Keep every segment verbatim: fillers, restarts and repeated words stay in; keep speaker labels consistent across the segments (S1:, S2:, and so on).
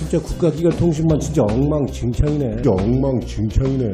S1: 진짜 국가기관 통신만 진짜 엉망진창이네. 진짜 엉망진창이네.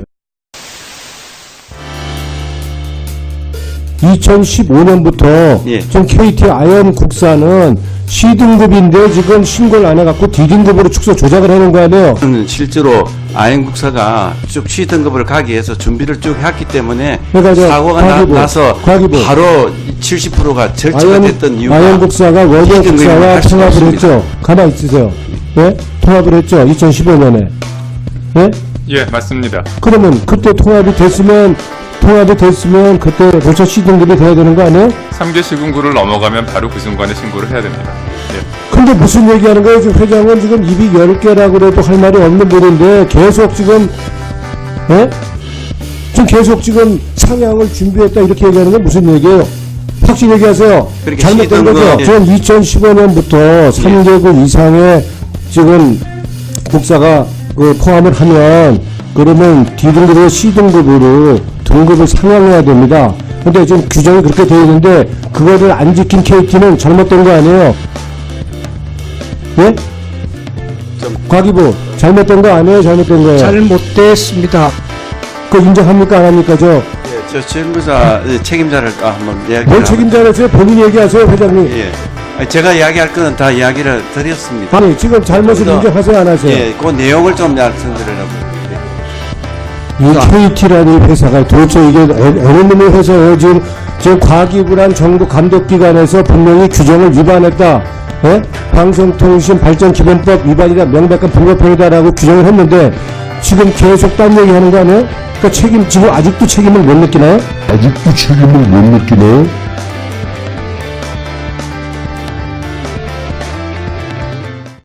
S1: 이천십오 년부터
S2: 예.
S1: 지금 케이티 아현국사는 C등급인데 지금 신고를 안 해갖고 D등급으로 축소 조작을 해놓은 거 아니에요?
S2: 저는 실제로 아현국사가 쭉 C등급을 가기 위해서 준비를 쭉 했기 때문에
S1: 그러니까 저
S2: 사고가
S1: 과기부,
S2: 나, 서
S1: 과기부.
S2: 바로 칠십 퍼센트가 절차가
S1: 아현,
S2: 됐던 이유가
S1: 아현국사가 원효국사와
S2: 할수
S1: 통합을
S2: 없습니다.
S1: 했죠. 가만히 있으세요. 예? 통합을 했죠. 이천십오 년에. 예?
S3: 예, 맞습니다.
S1: 그러면 그때 통합이 됐으면 통합이 됐으면 그때 벌써 C등급이 돼야 되는 거 아니에요?
S3: 삼 개 시군구를 넘어가면 바로 그 순간에 신고를 해야 됩니다. 예.
S1: 근데 무슨 얘기하는 거예요? 지금 회장은 지금 입이 열 개라고 그래도 할 말이 없는 분인데 계속 지금 예? 지금 계속 지금 상향을 준비했다 이렇게 얘기하는 건 무슨 얘기예요? 확실히 얘기하세요.
S2: 그러니까
S1: 잘못된 거죠?
S2: C등급, 예.
S1: 지금 이천십오 년부터 삼 개국 이상의 지금 국사가 그 포함을 하면 그러면 D등급에서 C등급으로 등급을 상향해야 됩니다. 근데 지금 규정이 그렇게 되어 있는데 그거를 안 지킨 케이티는 잘못된 거 아니에요? 예? 과기부 잘못된 거 아니에요? 잘못된 거예요?
S4: 잘못됐습니다.
S1: 그거 인정합니까? 안 합니까? 저,
S2: 예, 저 책임자 책임자를 아, 한번 이야기를
S1: 뭘 책임자를 해서 본인 얘기하세요, 회장님.
S2: 예. 아니, 제가 이야기할 거는 다 이야기를 드렸습니다.
S1: 아니, 지금 잘못을
S2: 그래서,
S1: 인정하세요, 안 하세요?
S2: 예, 그 내용을 좀 말씀드리려고.
S1: 이 케이티라는 회사가 도대체 이게 어느 놈의 회사예요? 지금, 지금 과기부란 정부 감독기관에서 분명히 규정을 위반했다. 예? 방송통신발전기본법 위반이다. 명백한 불법행위다라고 규정을 했는데 지금 계속 딴 얘기 하는 거 아니에요? 그러니까 책임, 지금 아직도 책임을 못 느끼나요?
S5: 아직도 책임을 못 느끼나요?